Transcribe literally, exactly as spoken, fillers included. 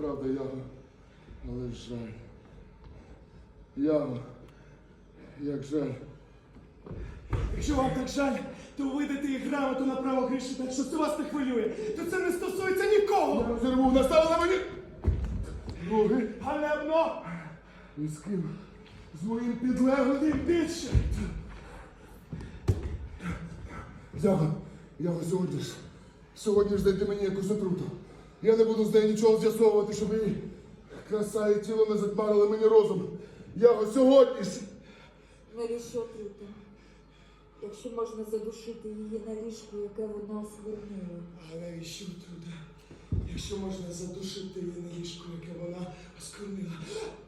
правда, Яго, але жаль. Яго, як жаль. Якщо вам так жаль, то видайте їй грамоту на право гріші, так що це вас не хвилює. То це не стосується нікого. Я розірву, наставила мені ноги. Ганебно! І з ким? З моїм підлеглим. Тим більше. Яго, Яго, сьогодні ж, сьогодні ж знайди мені якусь отруту. Я не буду з нею нічого з'ясовувати, щоб її краса і тіло не затмарили мені розум. Яго, сьогодні ж. Навіщо отрута? Якщо можна задушити її на ліжку, яке вона осквернила. А навіщо отрута? Якщо можна задушити її на ліжку, яке вона осквернила.